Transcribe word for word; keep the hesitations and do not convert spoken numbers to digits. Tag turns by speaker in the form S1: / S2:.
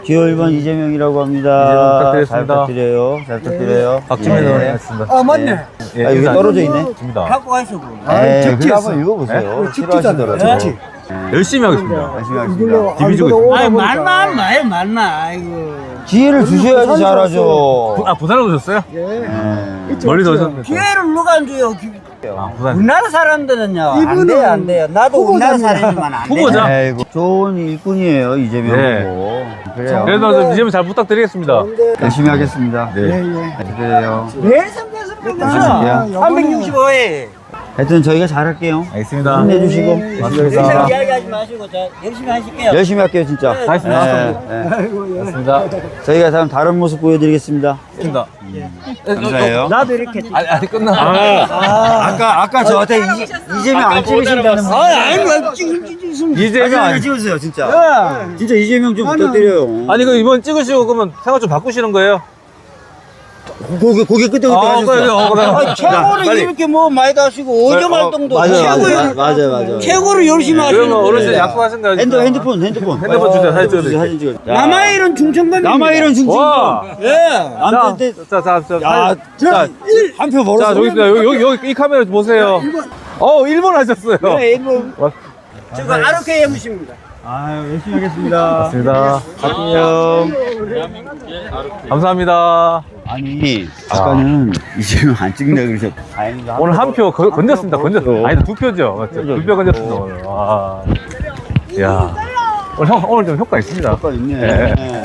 S1: 기호 일 번 이재명이라고 합니다.
S2: 이재명 부탁드리겠습니다.
S1: 잘 부탁드려요. 잘 부탁드려요.
S2: 박지민
S1: 예.
S2: 의원이었습니다.
S3: 아 맞네.
S2: 예,
S1: 아, 여기
S2: 인사-
S1: 떨어져 있네.
S2: 입니다.
S3: 갖고 가시고.
S1: 에이,
S3: 적지
S1: 그거
S3: 했어.
S1: 한번 읽어보세요.
S3: 네?
S1: 싫어하시더라도.
S3: 적지.
S2: 열심히 하겠습니다.
S1: 열심히
S3: 이걸로
S1: 하겠습니다.
S2: 디비주고 있습니다.
S3: 아이 말만 말 만나. 아이고.
S1: 기회를 주셔야지 잘하죠.
S2: 아, 부산에 오셨어요?
S3: 예.
S1: 예.
S2: 멀리서 오셨는데.
S3: 기회를 누가 안 줘요? 기-
S2: 아, 부산.
S3: 우리나라 사람들은요. 안 이분은 돼요, 안 돼요. 나도 우리나라
S1: 후보자입니다.
S3: 사람이지만 안 돼.
S2: 후보자.
S1: 아이고, 좋은 일꾼이에요, 이재명
S2: 네.
S1: 후보. 그래요.
S2: 그래도 좀 이재명 잘 부탁드리겠습니다.
S1: 열심히 하겠습니다.
S2: 네.
S1: 네, 그래요.
S3: 왜 성대섭니까?
S1: 하실게요.
S3: 삼백육십오 회.
S1: 하여튼 저희가 잘할게요.
S2: 알겠습니다.
S1: 힘내주시고.
S2: 맞습니다.
S3: 항상 이야기하지 마시고 저 열심히 하실게요.
S1: 열심히 할게요, 진짜.
S3: 네,
S2: 알겠습니다.
S1: 예, 예.
S2: 맞습니다.
S1: 저희가 다음 다른 모습 보여드리겠습니다.
S2: 맞습니다.
S1: 감사해요.
S3: 나도 이렇게.
S2: 아니, 아직 끝나.
S1: 아까 아까 저한테 이- 이재명 안 찍으신다는 분.
S3: 아, 아니, 뭐 지금 지금
S2: 이재명
S1: 이재명
S2: 아니,
S1: 찍으세요, 진짜. 진짜 이재명 좀 부탁드려요.
S2: 아니, 그 이번 찍으시고 그러면 생각 좀 바꾸시는 거예요?
S1: 고개 고개 끄덕끄덕
S2: 아,
S1: 하셨어요.
S2: 그래, 어, 그래.
S3: 아, 최고를
S1: 빨리.
S3: 이렇게 뭐 많이 다시고 어점
S2: 어,
S3: 활동도
S1: 맞아요,
S3: 최고를
S1: 맞아요, 맞아요, 맞아요.
S3: 최고를 열심히 하시는
S2: 그러면 어르신
S3: 거예요.
S2: 약속하신 거
S1: 핸드 핸드폰 핸드폰
S2: 핸드폰 주세요. 사진 찍어드릴게요.
S1: 사진 찍어.
S3: 남아일은 중천범.
S1: 남아일은 중증.
S2: 와!
S3: 예.
S1: 자,
S2: 자, 자, 자,
S1: 야,
S2: 자,
S1: 한표 벌었어.
S2: 자, 저기 있습니다. 여기, 여기, 여기, 이 카메라 보세요. 어, 일 번 하셨어요.
S3: 네, 일본.
S2: 와.
S3: 저거 아르케 엠씨입니다.
S1: 아유, 열심히 하겠습니다.
S2: 맞습니다.
S1: 안녕.
S2: 감사합니다.
S1: 아니, 아까는 이재명 안 찍는다 그러셨. 다행이다.
S2: 오늘 한 표 건졌습니다. 건졌.
S1: 표.
S2: 아니, 두 표죠. 맞죠? 두 표 건졌습니다. 오늘. 와. 야. 오늘 형, 오늘 좀 효과 있습니다.
S1: 효과 있네.
S2: 예.